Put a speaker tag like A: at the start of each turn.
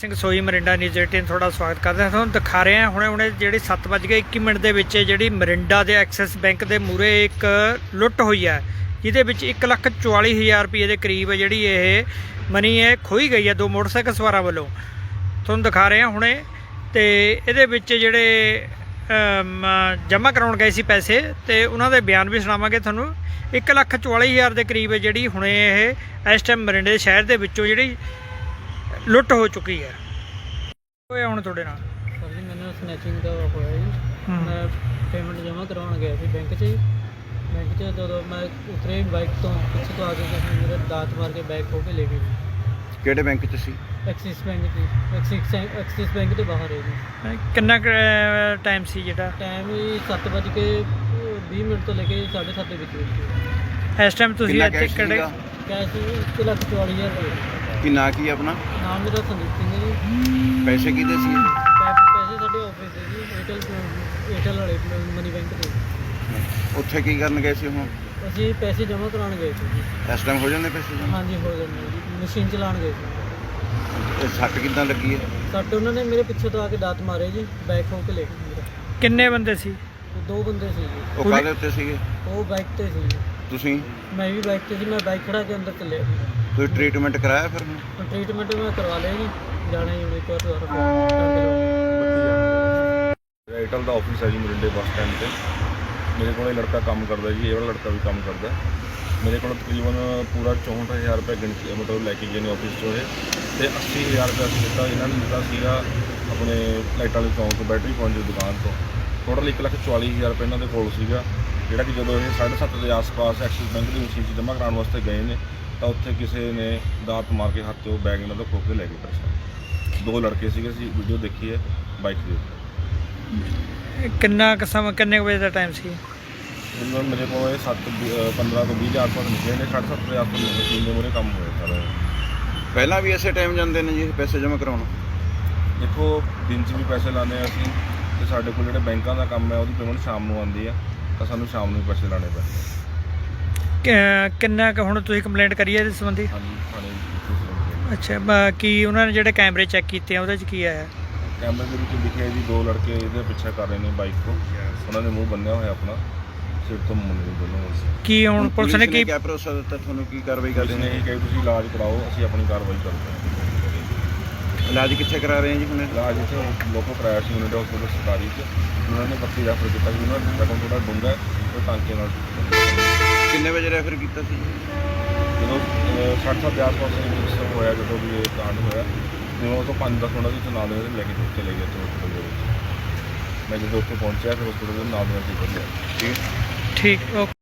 A: ਸਿੰਘ ਸੋਈ Mirinda news 18 ਤੁਹਾਡਾ ਸਵਾਗਤ ਕਰਦੇ ਹਾਂ। ਤੁਹਾਨੂੰ ਦਿਖਾ ਰਹੇ ਹਾਂ ਹੁਣੇ ਜਿਹੜੀ 7:21 ਦੇ ਵਿੱਚ ਜਿਹੜੀ ਮਰਿੰਡਾ ਦੇ ਐਕਸਿਸ ਬੈਂਕ ਦੇ ਮੂਹਰੇ ਇੱਕ ਲੁੱਟ ਹੋਈ ਹੈ, ਜਿਹਦੇ ਵਿੱਚ 1,44,000 ਰੁਪਏ ਦੇ ਕਰੀਬ ਜਿਹੜੀ ਇਹ ਮਨੀ ਹੈ ਖੋਈ ਗਈ ਹੈ ਦੋ ਮੋਟਰਸਾਈਕਲ ਸਵਾਰਾਂ ਵੱਲੋਂ। ਤੁਹਾਨੂੰ ਦਿਖਾ ਰਹੇ ਹਾਂ ਹੁਣੇ। ਤੇ ਇਹਦੇ ਵਿੱਚ ਜਿਹੜੇ ਜਮ੍ਹਾਂ ਕਰਾਉਣ ਗਏ ਸੀ ਪੈਸੇ ਤੇ ਉਹਨਾਂ ਦੇ ਬਿਆਨ ਵੀ ਸੁਣਾਵਾਂਗੇ ਤੁਹਾਨੂੰ। 1,44,000 ਦੇ ਕਰੀਬ ਜਿਹੜੀ ਹੁਣੇ ਇਹ ਇਸ ਟਾਈਮ ਮਰਿੰਡੇ ਸ਼ਹਿਰ ਦੇ ਵਿੱਚੋਂ ਜਿਹੜੀ ਲੁੱਟ ਹੋ ਚੁੱਕੀ ਹੈ। ਹੋਇਆ ਹੁਣ ਤੁਹਾਡੇ ਨਾਲ?
B: ਸਰ ਜੀ ਮੈਨੂੰ ਸਨੈਚਿੰਗ ਦਾ ਹੋਇਆ ਜੀ। ਮੈਂ ਪੇਮੈਂਟ ਜਮ੍ਹਾਂ ਕਰਵਾਉਣ ਗਿਆ ਸੀ ਬੈਂਕ 'ਚ ਜੀ। ਬੈਂਕ 'ਚ ਜਦੋਂ ਮੈਂ ਉਤਰੇ ਬਾਈਕ ਤੋਂ ਪਿੱਛੇ ਤੋਂ ਆ ਕੇ ਕਿਸੇ ਮੇਰੇ ਦਾਤ ਮਾਰ ਕੇ ਬੈਗ ਖੋਹ ਕੇ ਲੈ ਗਏ ਜੀ।
C: ਕਿਹੜੇ ਬੈਂਕ 'ਚ ਸੀ?
B: ਐਕਸਿਸ ਬੈਂਕ ਦੀ। ਐਕਸਿਸ ਬੈਂਕ ਦੇ ਬਾਹਰ ਹੈ ਜੀ।
A: ਕਿੰਨਾ ਟਾਈਮ ਸੀ ਜਿਹੜਾ?
B: ਟਾਈਮ ਜੀ 7:20 ਤੋਂ ਲੈ ਕੇ 7:30 ਦੇ ਵਿੱਚ।
A: ਇਸ ਟਾਈਮ ਤੁਸੀਂ
C: ਕਿੰਨਾ
A: ਇੱਥੇ
C: ਕੈਸ਼
A: ਕਿਹੜੇ?
C: ਸੀਗਾ?
B: ਕੈਸ਼ 1,44,000 ਰੁਪਏ।
C: ਕੀ ਨਾਂ ਕੀ ਆਪਣਾ?
B: ਨਾਮ ਮੇਰਾ ਸੰਦੀਪ ਸਿੰਘ ਹੈ ਜੀ।
C: ਪੈਸੇ ਕਿਹਦੇ ਸੀ?
B: ਪੈਸੇ ਸਾਡੇ ਆਫਿਸ ਦੇ ਜੀ, ਏਅਰਟੈਲ ਵਾਲੇ ਮਨੀ ਬੈਂਕ ਦੇ।
C: ਉੱਥੇ ਕੀ ਕਰਨ ਗਏ ਸੀ ਹੁਣ?
B: ਅਸੀਂ ਪੈਸੇ ਜਮ੍ਹਾਂ ਕਰਾਉਣ ਗਏ ਸੀ ਜੀ।
C: ਇਸ ਟਾਈਮ ਹੋ ਜਾਂਦੇ ਪੈਸੇ ਜਮ੍ਹਾਂ?
B: ਹਾਂਜੀ ਹੋ ਜਾਂਦੇ ਜੀ, ਮਸ਼ੀਨ ਚਲਾਉਣ ਗਏ ਸੀ।
C: ਇਹ ਸੱਟ ਕਿੱਦਾਂ ਲੱਗੀ ਹੈ?
B: ਸੱਟ ਉਹਨਾਂ ਨੇ ਮੇਰੇ ਪਿੱਛੇ ਤੋਂ ਆ ਕੇ ਦਾਤ ਮਾਰੇ ਜੀ, ਬੈਗ ਖੋਹ ਕੇ ਲੈ ਗਏ ਮੇਰਾ।
A: ਕਿੰਨੇ ਬੰਦੇ ਸੀ?
B: ਦੋ ਬੰਦੇ ਸੀ ਜੀ।
C: ਉਹ ਕਾਹਦੇ ਉੱਤੇ ਸੀਗੇ?
B: ਉਹ ਬਾਈਕ ਤੇ ਸੀ ਜੀ।
C: ਤੁਸੀਂ?
B: ਮੈਂ ਵੀ ਬਾਈਕ ਤੇ ਸੀ। ਮੈਂ ਬਾਈਕ ਖੜਾ ਕੇ ਅੰਦਰ ਚੱਲਿਆ ਜੀ।
C: ਕੋਈ ਟ੍ਰੀਟਮੈਂਟ ਕਰਾਇਆ ਫਿਰ ਹੁਣ?
B: ਟ੍ਰੀਟਮੈਂਟ ਮੈਂ ਕਰਵਾ ਲਿਆ ਜੀ। ਜਾਣਾ ਹੀ ਹੁਣ ਇੱਕ ਵਾਰ ਦੁਬਾਰਾ।
D: ਏਅਰਟੈਲ ਦਾ ਆਫਿਸ ਹੈ ਜੀ ਮਰਿੰਡੇ ਬੱਸ ਸਟੈਂਡ ਤੇ। ਮੇਰੇ ਕੋਲ ਇਹ ਲੜਕਾ ਕੰਮ ਕਰਦਾ ਜੀ, ਇਹ ਵਾਲਾ ਲੜਕਾ ਵੀ ਕੰਮ ਕਰਦਾ। ਮੇਰੇ ਕੋਲ ਤਕਰੀਬਨ ਪੂਰਾ 64,000 ਰੁਪਏ ਗਿਣਤੀ ਮਤਲਬ ਲੈ ਕੇ ਗਏ ਨੇ ਆਫਿਸ ਤੋਂ ਇਹ, ਤੇ 80,000 ਰੁਪਏ ਅਸੀਂ ਦਿੱਤਾ ਇਹਨਾਂ ਨੇ ਦਿੱਤਾ ਸੀਗਾ ਆਪਣੇ ਲਾਈਟ ਵਾਲੇ ਚੌਂਕ ਤੋਂ, ਬੈਟਰੀ ਪੁਆਇੰਟ ਦੀ ਦੁਕਾਨ ਤੋਂ। ਟੋਟਲ 1,44,000 ਰੁਪਏ ਇਹਨਾਂ ਦੇ ਕੋਲ ਸੀਗਾ, ਜਿਹੜਾ ਕਿ ਜਦੋਂ ਇਹ 7:30 ਦੇ ਆਸ-ਪਾਸ ਐਕਸਿਸ ਬੈਂਕ ਦੀ ਮਸ਼ੀਨ 'ਚ ਜਮ੍ਹਾਂ ਕਰਾਉਣ ਵਾਸਤੇ ਗਏ ਨੇ ਤਾਂ ਉੱਥੇ ਕਿਸੇ ਨੇ ਦਾਤ ਮਾਰ ਕੇ ਹੱਥ 'ਚੋਂ ਬੈਗ ਇਹਨਾਂ ਦਾ ਖੋਹ ਕੇ ਲੈ ਗਏ ਪੈਸੇ। ਦੋ ਲੜਕੇ ਸੀਗੇ, ਅਸੀਂ ਵੀਡੀਓ ਦੇਖੀ ਹੈ ਬਾਈਕ ਦੇ ਉੱਤੇ।
A: ਕਿੰਨਾ ਕੁ ਸਮਾਂ, ਕਿੰਨੇ ਕੁ ਵਜੇ ਦਾ ਟਾਈਮ ਸੀ?
D: ਮਤਲਬ ਮੇਰੇ ਕੋਲ ਇਹ 7:15 ਤੋਂ 20 ਦੇ ਆਸ-ਪਾਸ ਨਿਕਲੇ ਨੇ। 7:30 ਦੇ ਆਸ-ਪਾਸ ਮਸ਼ੀਨ ਦੇ ਮੂਹਰੇ ਕੰਮ ਹੋਇਆ ਸਾਰਾ।
C: ਪਹਿਲਾਂ ਵੀ ਇਸੇ ਟਾਈਮ ਜਾਂਦੇ ਨੇ ਜੀ ਪੈਸੇ ਜਮ੍ਹਾਂ ਕਰਾਉਣ?
D: ਦੇਖੋ ਦਿਨ 'ਚ ਵੀ ਪੈਸੇ ਲਾਉਂਦੇ ਹਾਂ ਅਸੀਂ, ਤੇ ਸਾਡੇ ਕੋਲ ਜਿਹੜੇ ਬੈਂਕਾਂ ਦਾ ਕੰਮ ਹੈ ਉਹਦੀ ਪੇਮੈਂਟ ਸ਼ਾਮ ਨੂੰ ਆਉਂਦੀ ਆ, ਤਾਂ ਸਾਨੂੰ ਸ਼ਾਮ ਨੂੰ ਪੈਸੇ ਲਾਣੇ ਪੈਂਦੇ।
A: ਕਿੰਨਾ ਕੁ ਹੁਣ ਤੁਸੀਂ ਕੰਪਲੇਂਟ ਕਰੀ ਹੈ ਇਸ ਸੰਬੰਧੀ?
D: ਹਾਂਜੀ ਥਾਣੇ।
A: ਅੱਛਾ, ਕੀ ਉਹਨਾਂ ਨੇ ਜਿਹੜੇ ਕੈਮਰੇ ਚੈੱਕ ਕੀਤੇ ਆ ਉਹਦੇ 'ਚ ਕੀ ਆਇਆ?
D: ਕੈਮਰੇ ਦੇ ਵਿੱਚ ਦਿਖਿਆ ਜੀ ਦੋ ਲੜਕੇ ਇਹਦੇ ਪਿੱਛੇ ਕਰ ਰਹੇ ਨੇ ਬਾਈਕ ਤੋਂ। ਉਹਨਾਂ ਨੇ ਮੂੰਹ ਬੰਨਿਆ ਹੋਇਆ ਆਪਣਾ, ਸਿਰ ਤੋਂ ਮੁੰਡੇ ਦੋਨੋਂ।
A: ਕੀ ਹੁਣ ਪੁਲਿਸ ਨੇ ਕੀ
C: ਕਿਆ ਭਰੋਸਾ ਦਿੱਤਾ ਤੁਹਾਨੂੰ? ਕੀ ਕਾਰਵਾਈ
D: ਪੁਲਿਸ
C: ਕਰਦੇ
D: ਨੇ
C: ਨੇ?
D: ਇਹ ਕਿਹਾ ਤੁਸੀਂ ਇਲਾਜ ਕਰਾਓ, ਅਸੀਂ ਆਪਣੀ ਕਾਰਵਾਈ ਕਰਦੇ ਹਾਂ।
C: ਇਲਾਜ ਕਿੱਥੇ ਕਰਾ ਰਹੇ ਆ ਜੀ ਹੁਣ?
D: ਇਲਾਜ ਇੱਥੇ ਲੋਕੋ ਕਰਾਇਆ ਸੀ ਯੂਨਿਟ ਹਸਪੀਟਲ ਸਰਕਾਰੀ 'ਚ। ਉਹਨਾਂ ਨੇ 32 ਰੈਫਰ ਕੀਤਾ ਸੀ। ਉਹਨਾਂ ਦਾ ਜ਼ਖਮ ਥੋੜ੍ਹਾ ਡੂੰਘਾ ਹੈ, ਉਹ ਟਾਂਕੇ ਨਾਲ
C: ਕਿੰਨੇ ਵਜੇ ਰੈਫਰ ਕੀਤਾ ਸੀ?
D: ਜਦੋਂ 60 ਦੇ ਆਸ-ਪਾਸ ਹੋਇਆ, ਜਦੋਂ ਵੀ ਇਹ ਕਾਂਡ ਹੋਇਆ, ਜਦੋਂ ਉਹ ਤੋਂ 5-10 ਮਿੰਟ ਵਿੱਚ ਨਾਲ ਦੇ ਲੈ ਕੇ ਚਲੇ ਗਏ ਹਸਪੀਟਲ ਦੇ ਵਿੱਚ। ਮੈਂ ਜਦੋਂ ਉੱਥੇ ਪਹੁੰਚਿਆ ਫਿਰ ਹਸਪੀਟਲ ਦੇ ਨਾਲ ਦੇ ਨਾਲ
A: ਠੀਕ ਓਕੇ।